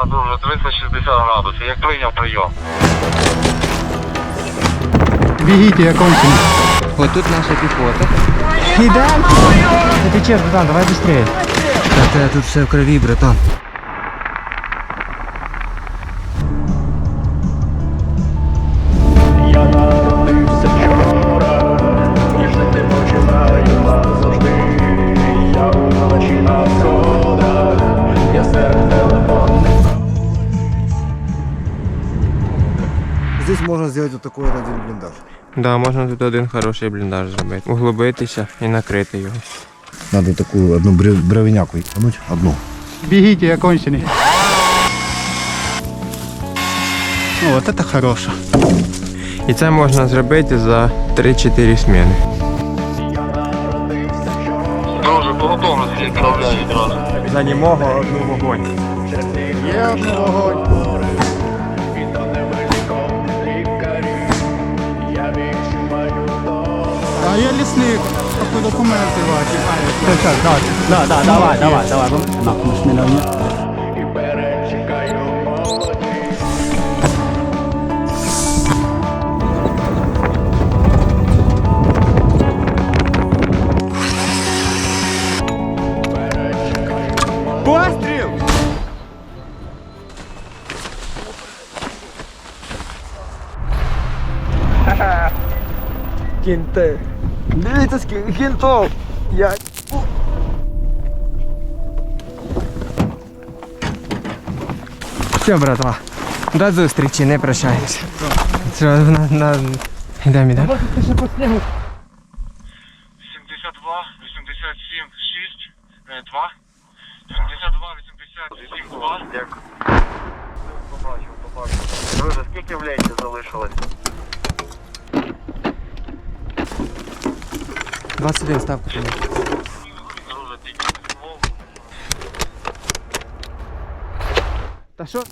Да, дуже, 360 градусів, як прийняв прийом. Бегите, я конченый. Вот тут наша пехота. Идем! Это честно, братан, давай быстрее. Та тут все в крові, братан. Я народився вчора, і жити починаю назавжди. Я вночі на сходах, я серед телефонних. Здесь можно сделать вот такой вот один блиндаж. Да, можна тут один хороший бліндаж зробити. Углубитися і накрити його. Надо такую одну бровиняку икнуть, одну. Бегите, я конченый. Ну, вот это хорошо. І це можна зробити за 3-4 зміни. Друже, по готовності відправляю відразу. За німого одну вогонь. Є одну вогонь. А я лесник. Какой документы Да, давай. Нахуй с меня нет. Постріл! Кінти. Дивіться, скільки кінтов. Все, братва. До зустрічі, не прощаємося. Йдемо. 72, 87, 6, 2. 72, 87, 2. Дякую. Побачив. Друже, скільки в ленті залишилось? 21 ставка. Друже, тільки мов. Та що?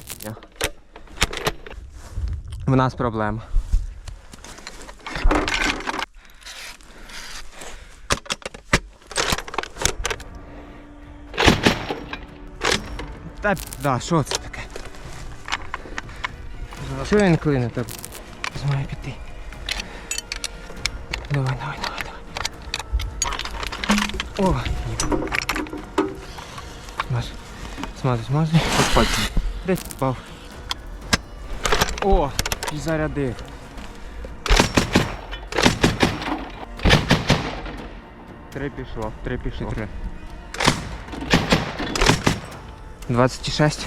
В нас проблема. Та да, що це таке? Що він клине так? Змає піти. Давай. О! Смазуй. Десь впав. О! І зарядив. Три пішло. 26.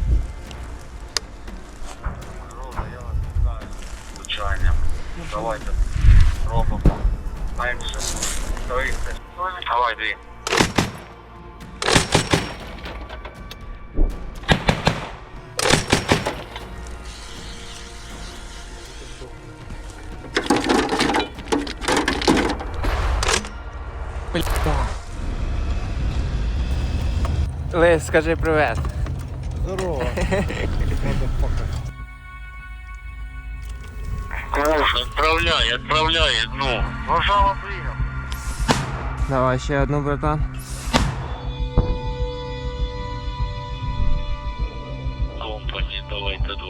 Звичайно. Давайте. Робимо. Менше. 30. Давай, 2. Лис, скажи привет. Здорово. Куш, відправляй, ну. Вважала прийняв. Давай ще одну, братан. Компані, давайте 2.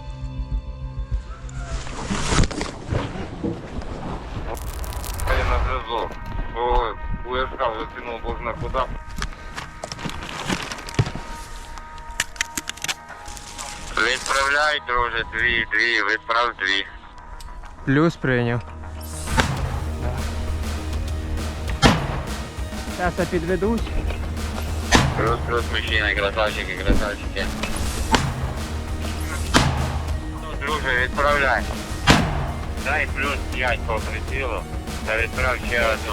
Я на зв'язок. УСК закинув бозна куди. Відправляй, друже, 2, відправ 2. Плюс прийняв. Зараз я підведусь. Плюс, мужчина, красавчики. Ну, друже, відправляй. Дай плюс 5 по прицілу. Та відправ ще одну.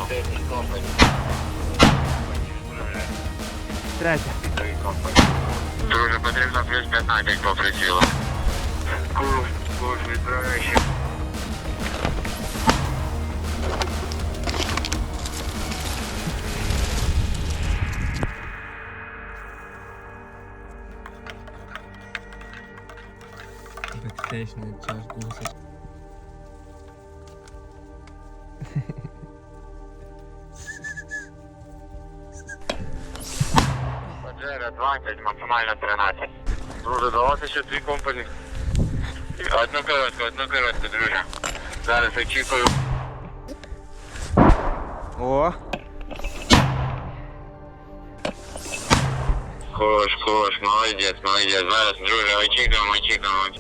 Третя. Друже, потрібно плюс 15 по прицілу. Куш, відправляй ще. Бекстейшний час гусить. Паджеро 20, максимально 13. Друже, давайте ще 2 компані. Одну коротку, друже. Зараз очікую. О! Хорош, молодець. Зараз, друже, очікуємо.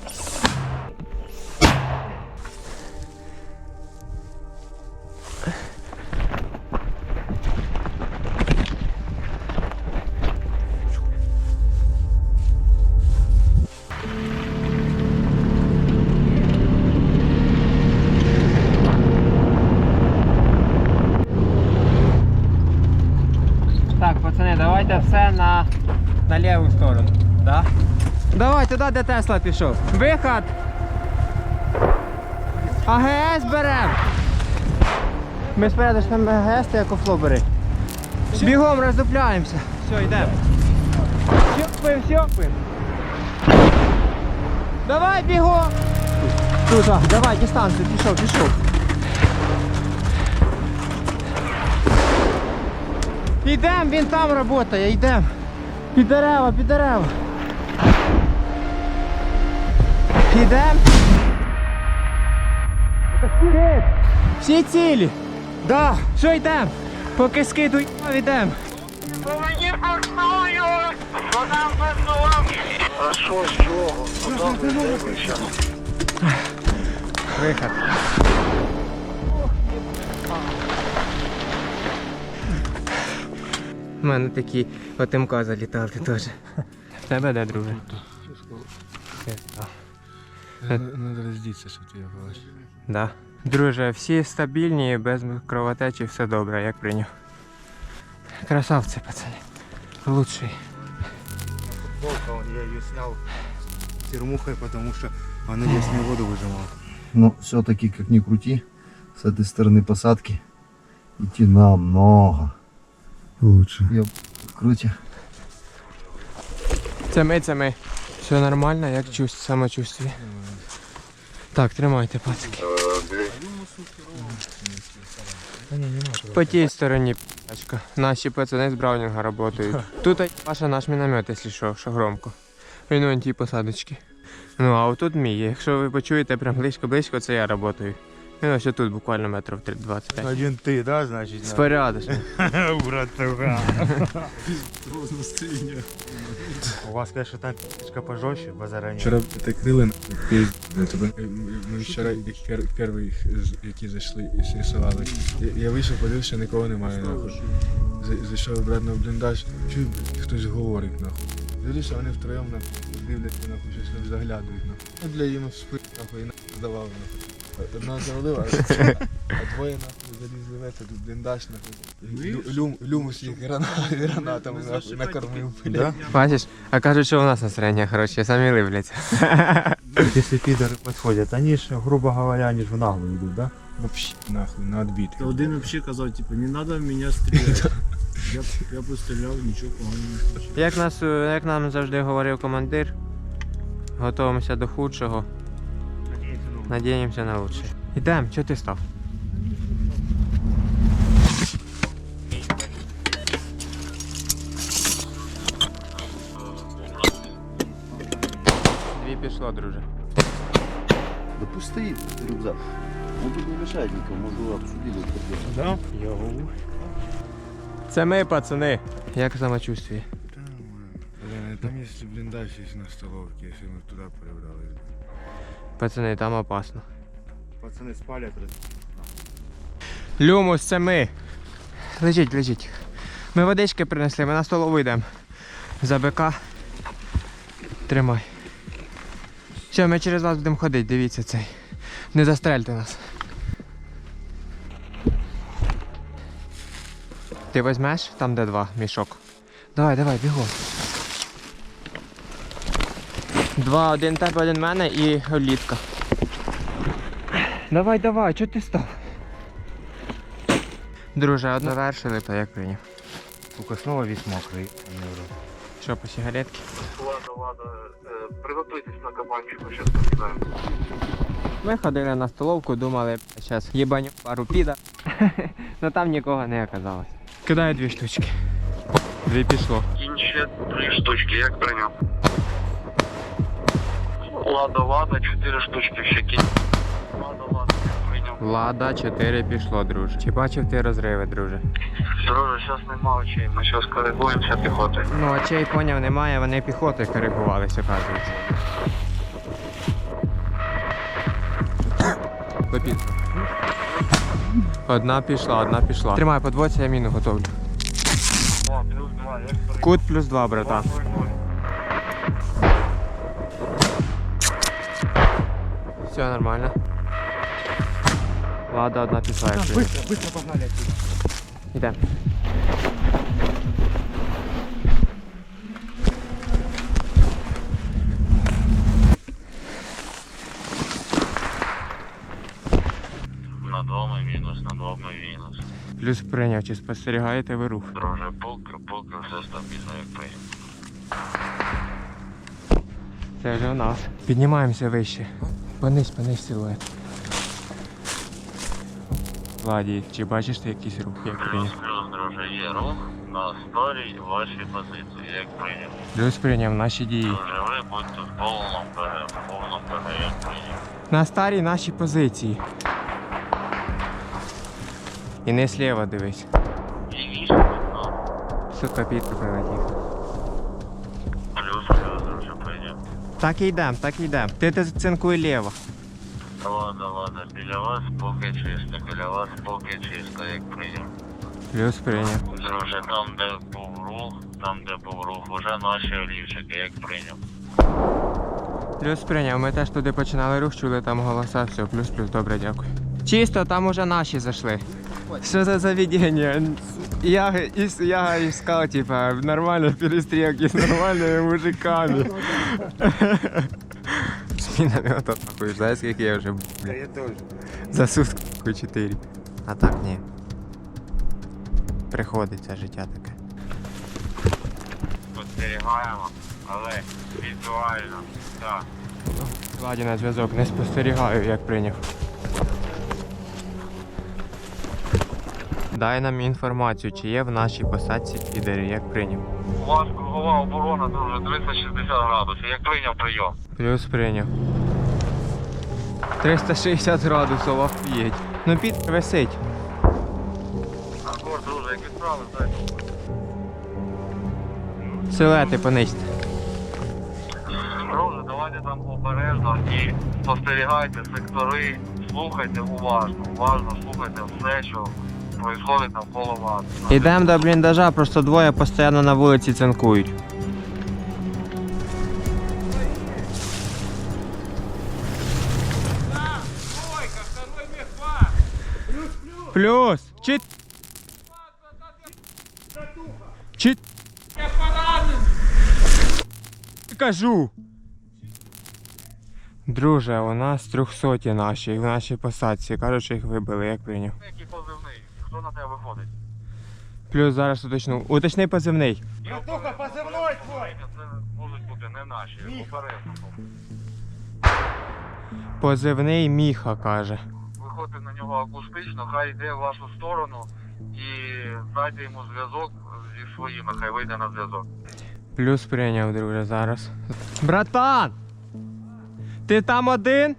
Так, пацани, давайте все на ліву сторону. Да? Давай туди, де Тесла пішов. Виход! АГС берем! Ми спереду ж там АГС, ти як офло бери. Бігом роздупляємося. Все, йдемо. Сьопаємо. Давай бігом! Тут, давай, дистанцію, пішов. Йдем, він там працює, йдем. Під дерева. Йдем. Всі цілі. Да. Що йдем? Поки скидуй, йдем. Мені пасую! Вона пасує! А що з чого? Виход. У мене такі ОТМК залітали теж. В тебе де, друже? Надо роздіться, щоб ти його бачив. Да. Друже, всі стабільні, без кровотечі, все добре, як прийняв. Красавці, пацани. Лучший. Футболка, я ее снял термухой, потому что она лесную воду выжимала. Но все-таки, как ни крути, с этой стороны посадки идти намного лучше. Я крути. Це ми. Все нормально, як самочувствие? Так, тримайте, пацики. По тій стороні п***очка. Наші пацани з Браунінга працюють. Тут наш міномет, якщо що громко. Він вон тій посадочці. Ну а отут мій. Якщо ви почуєте прям близько, це я працюю. Він ось тут буквально метрів 25. Один ты, да, значит? Спорядочно. Братуха. У вас, конечно, там пи***шка пожестче, базара нет. Вчора так крили на тебе. Ми вчора перші, які зайшли і срисували. Я вийшов, подивився, нікого немає нахуй. Зайшов обратно в бліндаж, чую, хтось говорить нахуй. Дивлюся, вони втроєм нахуй дивляться нахуй, щось там заглядують нахуй. Ну для їм спить нахуй і нахуй здавав нахуй. Одна завалила, а двоє нахуй залізли в этот бліндаж нахуй. Люмус їх гранатами нахуй накормив. Да? Бачиш? А кажуть, що у нас настроєння хороше, самі ливляться. Если пидоры подходят, они же, грубо говоря, они же в наглую идут, да? Вообще нахуй, на отбит. Один вообще казав, типу, не треба в мене стріляти. Я постріляв, нічого поганого не случилось. Як нам завжди говорив командир, готуємося до худшого, надіємося на лучше. Ідемо, чого ти став? Дві пішло, друже. Да пусть стоит рюкзак. Он тут не мешает никому, может обсудили. Да? Це ми, пацани. Як самочувствие? Там если блиндаж есть на столовке, если мы туда перебрались. Пацани, там опасно. Пацаны спалят. Люмус, це ми. Лежіть. Ми водички принесли, ми на столову йдемо. За БК. Тримай. Все, ми через вас будемо ходити, дивіться цей. Не застрельте нас. Ти візьмеш? Там де 2 мішок. Давай, бігом. 2, один тебе, один мене і олітка. Давай, чого ти став? Друже, одну завершили, то як прийняв. Сука, снова весь мокрый. Що, по сигаретки? Ладно. Приготуйтесь на кабанчику, сейчас починаем. Ми ходили на столовку, думали, зараз їбаню пару піда. Но там нікого не оказалось. Кидаю 2 штучки. 2 пішло. Кінь ще 3 штучки, як прийняв. Лада, 4 штучки ще кінь. Лада, прийняв. Лада 4 пішло, друже. Чи бачив ти розриви, друже? Друже, зараз нема очей, ми зараз коригуємося піхотою. Ну, очей поняв немає, вони піхотою коригувалися, оказується. Попітка. Одна пішла. Тримай, подводься, я міну готовлю. О, плюс 2, як прийняв. Кут плюс 2, братан. Все нормально. Лада одна пішла, якщо. Быстро погнали отсюда. Йдем. На двома мінус. Плюс прийняв, чи спостерігаєте ви рух? Друже, поки, все стабільно, як прийняв. Це вже у нас. Піднімаємося вище. Понись силует. Ладі, чи бачиш ти якийсь рух, як прийняв? Плюс, друже, є рух на старій вашій позиції, як прийняв. Плюс прийняв наші дії. Друже, ви будьте в повному ПГ, як прийняв. На старій нашій позиції. І не сліва дивись. І вісім, ну, Сука, Пітер прилетів. плюс, друже, прийняв. Так і йдем. Ти цинкуй ліво. Ладно, біля вас поки чисто, як прийняв. Плюс прийняв. Друже, там де був рух, уже наші олівчики, як прийняв. Плюс прийняв. Ми теж туди починали рух, чули там голоса, все, плюс, добре, дякую. Чисто, там уже наші зайшли. Що за заведення? Я искал, типа, нормально перестрелки с нормальными мужиками. С минометом, нахуй, знаешь, сколько я уже, блин? Я тоже. За сутки 4. А так, ні. Приходиться життя таке. Спостерігаємо, але візуально, так. Ладі на зв'язок, не спостерігаю, як прийняв. Дай нам інформацію, чи є в нашій посадці підери, як прийняв. У вас кругова оборона, друже, 360 градусів, як прийняв прийом. Плюс прийняв. 360 градусів, офігеть. Ну під висить. Акорд, друже, які справи, дай. Силуети понизьте. Друже, давайте там обережно і спостерігайте сектори, слухайте уважно слухайте все, що відбувається навколо вас. Ідемо до бліндажа, просто двоє постійно на вулиці цинкують. Плюс! Чит! Кажу! Друже, у нас 300 наші, в нашій посадці. Кажуть, що їх вибили, як прийняв. Який позивний? Хто на тебе виходить? Плюс зараз уточну. Уточни позивний. Братуха, позывной твой! Це можуть бути не наші, обережно. Позивний Міха, каже. Виходьте на нього акустично, хай йде в вашу сторону і дайте йому зв'язок зі своїми, хай вийде на зв'язок. Плюс прийняв, друже, зараз. Братан! Ти там один?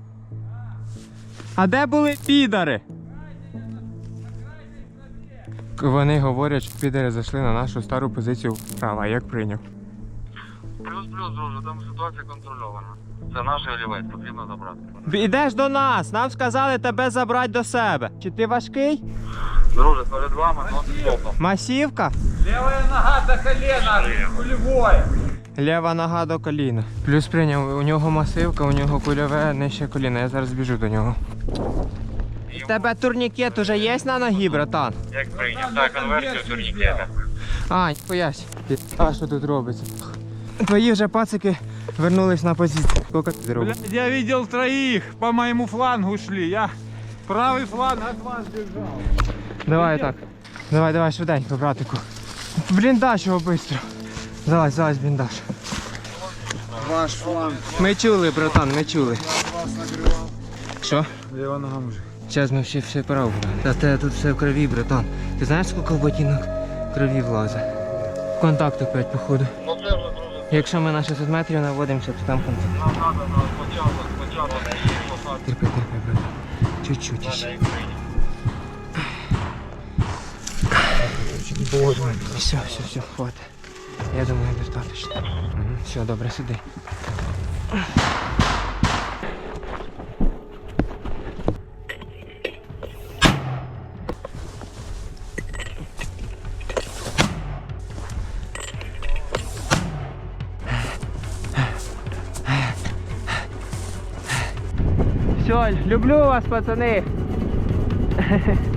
А де були підари? Вони говорять, що підари зайшли на нашу стару позицію вправо, як прийняв. Плюс, друже, там ситуація контрольована. Це наш олівець, потрібно забрати. Ідеш до нас, нам сказали тебе забрати до себе. Чи ти важкий? Друже, перед вами нон-стопом. Масівка? Левая нога до колена, кулевой. Ліва нога до коліна. Плюс прийняв, у нього масивка, у нього кульове нижче коліна. Я зараз біжу до нього. У тебе турнікет уже є на ногі, братан? Як прийняв? Так, конверсію турнікета. А, поясь. А що тут робиться? Твої вже пацики вернулись на позицію. Скільки ти зробив? Блядь, я видел троих, по моему флангу шли. Я правый фланг от вас держал. Давай так. Давай, швиденько, братику. Бліндаж його швидко. Залазь, в бліндаж. Ваш фланг. Ми чули, братан, ми чули. Вас накривав. Що? Ліва нога мужик. Зараз ми все право. Та тебе тут все в крові, братан. Ти знаєш, скільки в ботинок крові влазить? Контакт опять, походу. Ну це вже, друже, Якщо ми на 600 метрів наводимося, то там контакт. Нам треба на спочатку на її посадку. Терпи, брат. Чуть-чуть ще. Все, хватит. Я думаю, достаточно. Все, добре, сиди. Все, люблю вас, пацани.